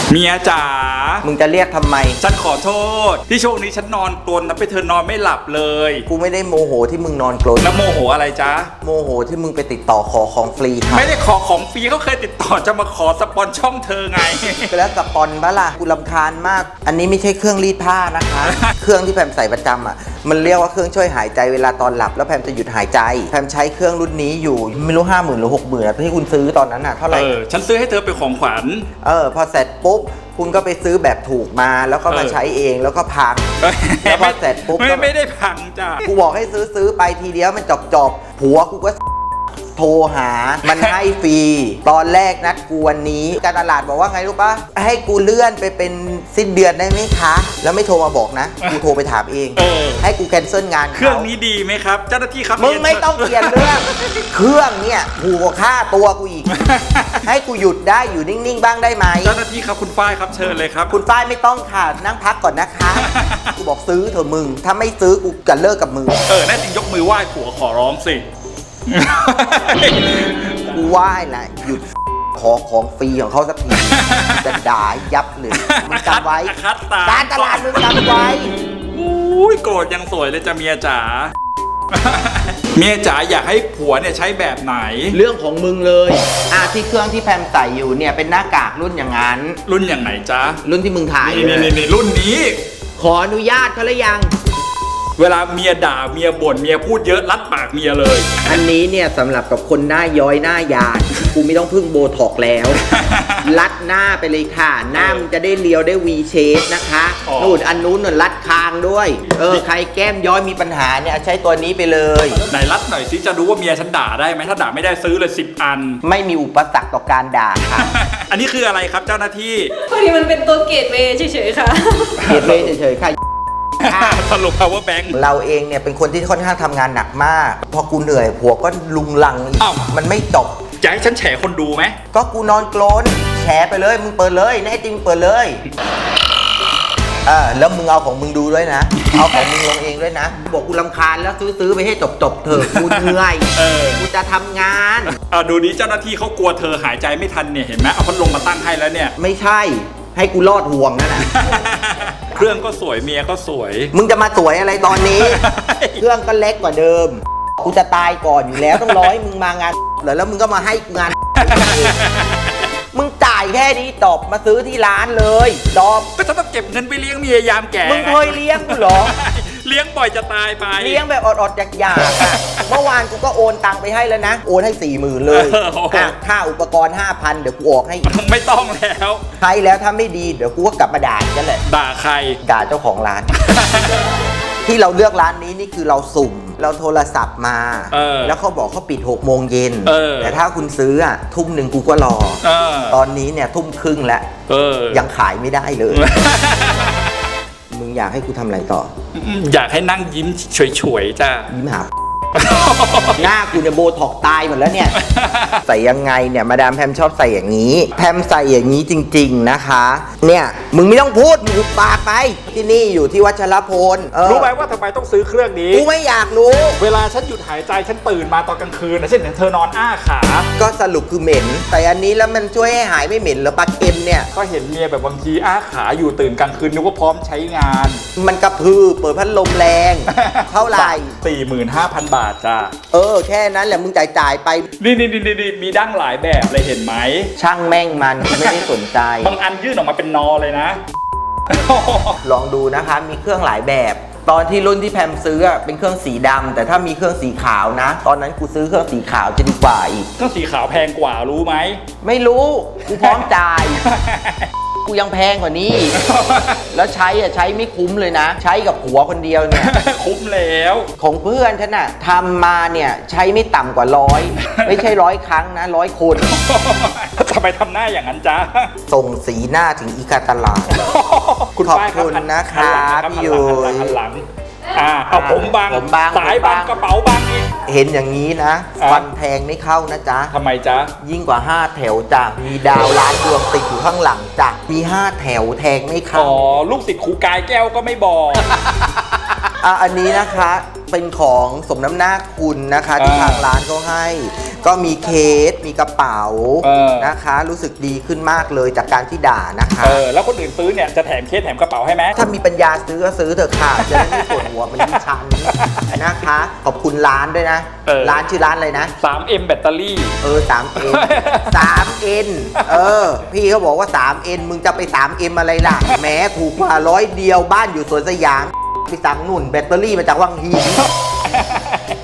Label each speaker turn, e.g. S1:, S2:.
S1: เมียจ๋า
S2: มึงจะเรียกทำไม
S1: ฉันขอโทษที่ช่วงนี้ฉันนอนกรนนะไปเธอนอนไม่หลับเลย
S2: กูไม่ได้โมโหที่มึงนอนกรน
S1: แล้วโมโหอะไรจ๊ะ
S2: โมโหที่มึงไปติดต่อขอของฟรีครับ
S1: ไม่ได้ขอของฟรีเขาเคยติดต่อจะมาขอสปอนช่องเธอไง
S2: แล้วสปอนบ้าล่ะกูรำคาญมากอันนี้ไม่ใช่เครื่องรีดผ้านะคะ เครื่องที่แพมใส่ประจำอ่ะมันเรียกว่าเครื่องช่วยหายใจเวลาตอนหลับแล้วแพมจะหยุดหายใจแพมใช้เครื่องรุ่นนี้อยู่ไม่รู้50,000หรือ60,000ที่คุณซื้อตอนนั้นอ่ะเท่าไหร่
S1: ฉันซื้อให้เธอเป็นของขวัญ
S2: พอเสร็จปุ๊บคุณก็ไปซื้อแบบถูกมาแล้วก็มาใช้เองแล้วก็พังแล้วพอเสร็จปุ๊บ
S1: ไม่ได้พังจ้ะ
S2: กูบอกให้ซื้อไปทีเดียวมันจบผัวกูก็โทรหามันให้ฟรีตอนแรกนัดกูวันนี้การตลาดบอกว่าไงรู้ปะให้กูเลื่อนไปเป็นสิ้นเดือนได้ไหมคะแล้วไม่โทรมาบอกนะกูโทรไปถามเองให้กูแคนเซิลงาน
S1: เครื่องนี้ดีไหมครับเจ้าหน้าที่ครับ
S2: มึงไม่ต้องเปลี่ยนเรื่องเครื่องเนี่ยถูกกว่าค่าตัวกูอีกให้กูหยุดได้อยู่นิ่งๆบ้างได้ไหม
S1: เจ้าหน้าที่ครับคุณฝ้ายครับเชิญเลยครับ
S2: คุณฝ้ายไม่ต้องค่ะนั่งพักก่อนนะคะกูบอกซื้อเถอะมึงถ้าไม่ซื้อกูจะเลิกกับมึง
S1: แน่จริงยกมือไหว้ผัวขอร้องสิ
S2: กูไหว้แหละหยุดขอของฟรีของเขาสักทีจะด่ายับเลยมึงจำไว้การตลาดมึงจำไว้
S1: อุ้ยโกรธยังสวยเลยจ้ะเมียจ๋าเมียจ๋าอยากให้ผัวเนี่ยใช้แบบไหน
S2: เรื่องของมึงเลยที่เครื่องที่แพมใส่อยู่เนี่ยเป็นหน้ากากรุ่นอย่างนั้น
S1: รุ่นอย่างไหนจ๊ะ
S2: รุ่นที่มึงถ่าย
S1: นี่รุ่นนี้
S2: ขออนุญาตเขาหรือยัง
S1: เวลาเมียด่าเมียบ่นเมียพูดเยอะรัดปากเมียเลย
S2: อันนี้เนี่ยสำหรับกับคนหน้าย้อยหน้ายานกูไม่ต้องพึ่งโบท็อกแล้วรัดหน้าไปเลยค่ะหน้ามันจะได้เรียวได้วีเชฟนะคะนู่นอันนู้นรัดคางด้วยใครแก้มย้อยมีปัญหาเนี่ยใช้ตัวนี้ไปเลย
S1: ไหนรัดหน่อยสิจะรู้ว่าเมียฉันด่าได้ไหมถ้าด่าไม่ได้ซื้อเลย10 อัน
S2: ไม่มีอุปสรรคต่อการด่าค่ะ
S1: อันนี้คืออะไรครับเจ้าหน้าที่
S3: พอดีมันเป็นตัวเกตเวย์เฉยๆค่ะ
S2: เกตเวย์เฉยๆค่ะ
S1: สรุป power bank
S2: เราเองเนี่ยเป็นคนที่ค่อนข้างทำงานหนักมากพอกูเหนื่อยผัวก็ลุงลังอีกมันไม่จบ
S1: จะให้ฉันแฉคนดูไหม
S2: ก็กูนอนกรนแฉไปเลยมึงเปิดเลยแน่จริงเปิดเลยแล้วมึงเอาของมึงดูด้วยนะเอาของมึงลงเองด้วยนะบอกกูรำคาญแล้วซื้อไปให้จบเถอะกูเหนื่อยกูจะทำงาน
S1: ดูนี้เจ้าหน้าที่เขากลัวเธอหายใจไม่ทันเนี่ยเห็นไหมเอาพัดลมมาตั้งให้แล้วเนี่ย
S2: ไม่ใช่ให้กูรอดห่วงนั่นแหละ
S1: เครื่องก็สวยเมียก็สวย
S2: มึงจะมาสวยอะไรตอนนี้ เครื่องก็เล็กกว่าเดิมกูจะตายก่อนอยู่แล้วต้องรอให้มึงมางานแล้วมึงก็มาให้งานมึงจ่ายแค่นี้จบมาซื้อที่ร้านเลยจบ
S1: ก็จะต้องเก็บเงินไปเลี้ยงเมียยามแก่
S2: มึงเคยเลี้ยงกูเหรอ
S1: เลี้ยงบ่อยจะตายไป
S2: เลี้ยงแบบอดๆอยากๆเมื่อวานกูก็โอนตังไปให้แล้วนะโอนให้40,000เลยค่าอุปกรณ์ 5,000 เดี๋ยวกูออกให้
S1: ไม่ต้องแล้ว
S2: ใช้แล้วถ้าไม่ดีเดี๋ยวกูก็กลับมาด่ากันแหละ
S1: ด่าใคร
S2: ด่าเจ้าของร้าน ที่เราเลือกร้านนี้นี่คือเราสุ่มเราโทรศัพท์มาแล้วเขาบอกเขาปิด6 โมงเย็นแต่ถ้าคุณซื้อทุ่ม 1กูก็รอตอนนี้เนี่ยทุ่มครึ่งแล้วยังขายไม่ได้เลยมึงอยากให้กูทำอะไรต่อ
S1: อยากให้นั่งยิ้มเฉยๆจ้า
S2: ยิ้มหาหน้ากูเนี่ยโบท็อกตายหมดแล้วเนี่ยใส่ยังไงเนี่ยมาดามแพมชอบใส่อย่างนี้แพมใส่อย่างนี้จริงๆนะคะเนี่ยมึงไม่ต้องพูดมึงปากไปที่นี่อยู่ที่วัชรพล
S1: รู้ไหมว่าทำไมต้องซื้อเครื่องนี้
S2: กูไม่อยากรู้
S1: เวลาฉันหยุดหายใจฉันตื่นมาตอนกลางคืนนะเช่นเธอนอนอ้าขา
S2: ก็สรุปคือเหม็นแต่อันนี้แล้วมันช่วยให้หายไม่เหม็นหรือปลาเค็มเนี่ย
S1: ก็เห็นเมียแบบบางทีอ้าขาอยู่ตื่นกลางคืนนึกว่าพร้อมใช้งาน
S2: มันกระพือเปิดพัดลมแรงเท่าไหร่
S1: 45,000 บาทจ้า
S2: แค่นั้นแหละมึงจ่ายไป
S1: นี่มีดั้งหลายแบบเลยเห็นไหม
S2: ช่างแม่งมันไม่ได้สนใจ
S1: บางอันยื่นออกมาเป็นนอเลยนะ
S2: ลองดูนะคะมีเครื่องหลายแบบตอนที่รุ่นที่แพมซื้อเป็นเครื่องสีดำแต่ถ้ามีเครื่องสีขาวนะตอนนั้นกูซื้อเครื่องสีขาวจะดีกว่าอีก
S1: เครื่องสีขาวแพงกว่ารู้ไหม
S2: ไม่รู้กูพร้อมจ่ายกูยังแพงกว่านี้แล้วใช้ไม่คุ้มเลยนะใช้กับผัวคนเดียวเนี่ย
S1: คุ้มแล้ว
S2: ของเพื่อนฉันน่ะทำมาเนี่ยใช้ไม่ต่ำกว่า100ไม่ใช่100 ครั้งนะ100 คน
S1: ทำไมทำหน้าอย่างนั้นจ๊ะ
S2: ส่งสีหน้าถึงอีกาตลาด
S1: คุณ
S2: ขอบคุณนะคะพี่ยุ้ย
S1: เอาผมบางสายบางกระเป๋าบางอีก
S2: เห็นอย่างนี้นะฟันแทงไม่เข้านะจ๊ะ
S1: ทำไมจ๊ะ
S2: ยิ่งกว่า5 แถวจ้ะมีดาวล้านดวงติดอยู่ข้างหลังจ้ะมี5 แถวแทงไม่เข้า
S1: ลูกศิษย์ครูกายแก้วก็ไม่บอก
S2: อันนี้นะคะเป็นของสมน้ำหน้าคุณนะคะที่ทางร้านเขาให้ก็มีเคสมีกระเป๋านะคะ รู้สึกดีขึ้นมากเลยจากการที่ด่านะคะ
S1: แล้วคนอื่นซื้อเนี่ยจะแถมเคสแถมกระเป๋าให้ไหม
S2: ถ้ามีปัญญาซื้อก็ซื้อเถอะค่ะจะได้ไม่ปวดหัวเหมันดิฉันนะคะขอบคุณร้านด้วยนะร้านชื่อร้านอะไรนะ
S1: 3M แบตเตอรี่
S2: 3M 3N พี่เขาบอกว่า 3N มึงจะไป 3M อะไรล่ะแหมถูกกว่า100 เดียวบ้านอยู่สวนสยามไปสั่งนุ่นแบตเตอรี่มาจากวังหิน